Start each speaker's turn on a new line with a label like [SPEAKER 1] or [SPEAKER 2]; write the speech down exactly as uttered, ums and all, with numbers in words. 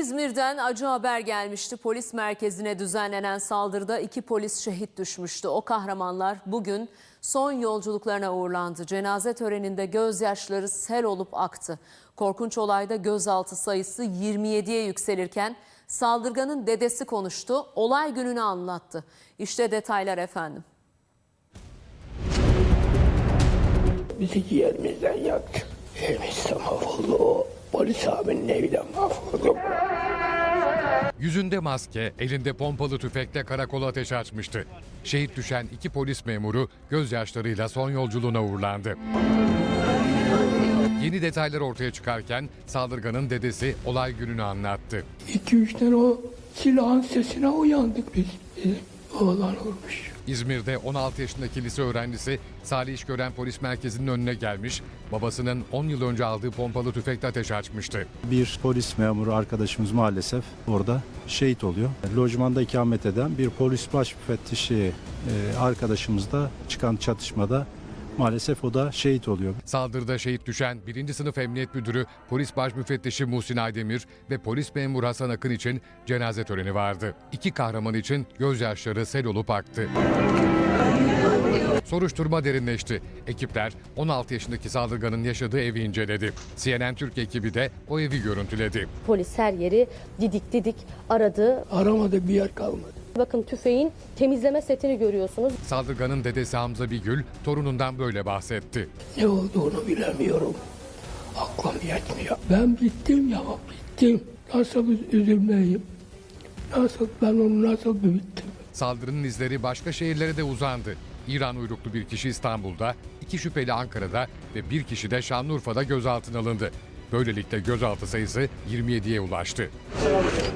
[SPEAKER 1] İzmir'den acı haber gelmişti. Polis merkezine düzenlenen saldırıda iki polis şehit düşmüştü. O kahramanlar bugün son yolculuklarına uğurlandı. Cenaze töreninde gözyaşları sel olup aktı. Korkunç olayda gözaltı sayısı yirmi yediye yükselirken saldırganın dedesi konuştu. Olay gününü anlattı. İşte detaylar efendim.
[SPEAKER 2] Bizi yerimizden yaktı. Evimiz de mahvoldu. Polis abinin evi de mahvoldu.
[SPEAKER 3] Yüzünde maske, elinde pompalı tüfekle karakola ateş açmıştı. Şehit düşen iki polis memuru gözyaşlarıyla son yolculuğuna uğurlandı. Yeni detaylar ortaya çıkarken saldırganın dedesi olay gününü anlattı.
[SPEAKER 2] İki üç tane o silahın sesine uyandık biz. Bizim oğlan olmuş.
[SPEAKER 3] İzmir'de on altı yaşındaki lise öğrencisi Salih İşgören Polis Merkezi'nin önüne gelmiş, babasının on yıl önce aldığı pompalı tüfekle ateş açmıştı.
[SPEAKER 4] Bir polis memuru arkadaşımız maalesef orada şehit oluyor. Lojmanda ikamet eden bir polis baş müfettişi arkadaşımızda çıkan çatışmada maalesef o da şehit oluyor.
[SPEAKER 3] Saldırıda şehit düşen birinci Sınıf Emniyet Müdürü Polis Baş Müfettişi Muhsin Aydemir ve polis memuru Hasan Akın için cenaze töreni vardı. İki kahraman için gözyaşları sel olup aktı. Soruşturma derinleşti. Ekipler on altı yaşındaki saldırganın yaşadığı evi inceledi. C N N Türk ekibi de o evi görüntüledi.
[SPEAKER 5] Polis her yeri didik didik aradı.
[SPEAKER 2] Aramada bir yer kalmadı.
[SPEAKER 5] Bakın tüfeğin temizleme setini görüyorsunuz.
[SPEAKER 3] Saldırganın dedesi Hamza Bigül torunundan böyle bahsetti.
[SPEAKER 2] Ne olduğunu bilemiyorum. Aklım yetmiyor. Ben bittim ya, bittim. Nasıl üzülmeyeyim? Nasıl, ben onu nasıl büyüttüm?
[SPEAKER 3] Saldırının izleri başka şehirlere de uzandı. İran uyruklu bir kişi İstanbul'da, iki şüpheli Ankara'da ve bir kişi de Şanlıurfa'da gözaltına alındı. Böylelikle gözaltı sayısı yirmi yediye ulaştı.